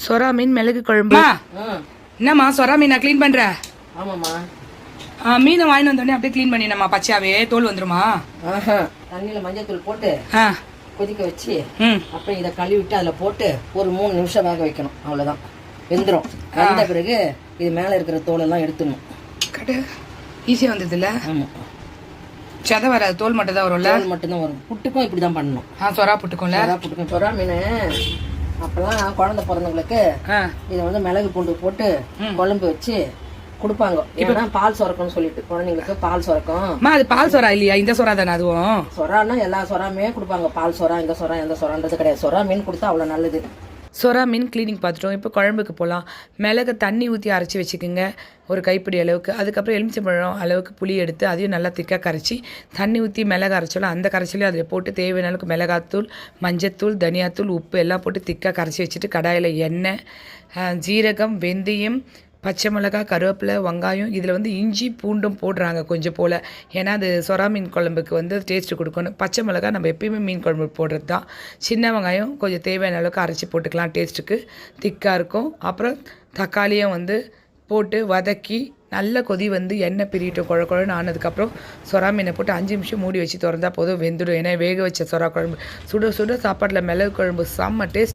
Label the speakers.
Speaker 1: சொரா மீன் மிளகு குழம்பு. என்னம்மா சொரா மீன் நான் க்ளீன் பண்றேன்.
Speaker 2: ஆமாம்மா.
Speaker 1: மீனை வாங்கி வந்தோடனே அப்படியே க்ளீன் பண்ணிடணுமா? பச்சையாவே தோல் வந்துருமா?
Speaker 2: தண்ணியில் மஞ்சள் தூள் போட்டு கொதிக்க வச்சு அப்புறம் இதை கழுவி விட்டு அதில் போட்டு ஒரு 3 நிமிஷம் வேக வைக்கணும். அவ்வளோதான், வெந்துடும். வந்த பிறகு இது மேலே இருக்கிற தோலெல்லாம் எடுத்துடணும்.
Speaker 1: கட்டு ஈஸியாக வந்தது இல்லை?
Speaker 2: ஆமாம்,
Speaker 1: சதை வராது, தோல் மட்டும் தான் வரும்ல?
Speaker 2: தோல் மட்டும்தான் வரும். புட்டுக்கும் இப்படி தான் பண்ணணும்.
Speaker 1: சொரா புட்டுக்கும்ல?
Speaker 2: சொரா புட்டுக்கும். சொரா மீன் அப்பெல்லாம் குழந்தை பிறந்தவங்களுக்கு இதை வந்து மிளகு பூண்டு போட்டு குழம்பு வச்சு கொடுப்பாங்க. ஏன்னா பால் சுரக்கம்னு சொல்லிட்டு குழந்தைங்களுக்கு பால் சுரக்கும்.
Speaker 1: அது பால் சொரா இல்லையா? இந்த சொரா தானே அதுவும்?
Speaker 2: சொரான்னா எல்லா சொராமே கொடுப்பாங்க. பால் சொரா, இந்த சொரா, எந்த சொரான்றது கிடையாது. சொரா மீன் கொடுத்தா அவ்வளோ நல்லது.
Speaker 1: சொரா மீன் க்ளீனிங் பார்த்துட்டோம். இப்போ குழம்புக்கு போகலாம். மிளகு தண்ணி ஊற்றி அரைச்சி வச்சுக்கோங்க, ஒரு கைப்பிடி அளவுக்கு. அதுக்கப்புறம் எலுமிச்சம்பழம் அளவுக்கு புளி எடுத்து அதையும் நல்லா திக்காக கரைச்சி தண்ணி ஊற்றி மிளகு அரைச்சோம். அந்த கரைச்சலையும் அதில் போட்டு தேவையான அளவுக்கு மிளகாத்தூள், மஞ்சத்தூள், தனியாத்தூள், உப்பு எல்லாம் போட்டு திக்காக கரைச்சி வச்சுட்டு கடாயில் எண்ணெய், ஜீரகம், வெந்தயம், பச்சை மிளகா, கருவேப்பிலை, வெங்காயம், இதில் வந்து இஞ்சி பூண்டும் போடுறாங்க கொஞ்சம் போல். ஏன்னா அது சொரா மீன் குழம்புக்கு வந்து டேஸ்ட்டு கொடுக்கணும். பச்சை மிளகா நம்ம எப்பயுமே மீன் குழம்பு போடுறது தான். சின்ன வெங்காயம் கொஞ்சம் தேவையான அளவுக்கு அரைச்சி போட்டுக்கலாம், டேஸ்ட்டுக்கு திக்காக இருக்கும். அப்புறம் தக்காளியும் வந்து போட்டு வதக்கி நல்ல கொதி வந்து எண்ணெய் பிரிட்டோம். குழன்னு ஆனதுக்கப்புறம் சொரா மீனை போட்டு 5 நிமிஷம் மூடி வச்சு திறந்தா போதும், வெந்துடும். ஏன்னா வேக வச்ச சொரா குழம்பு சுட சுட சாப்பாட்டில் மிளகு குழம்பு செம்ம டேஸ்ட்.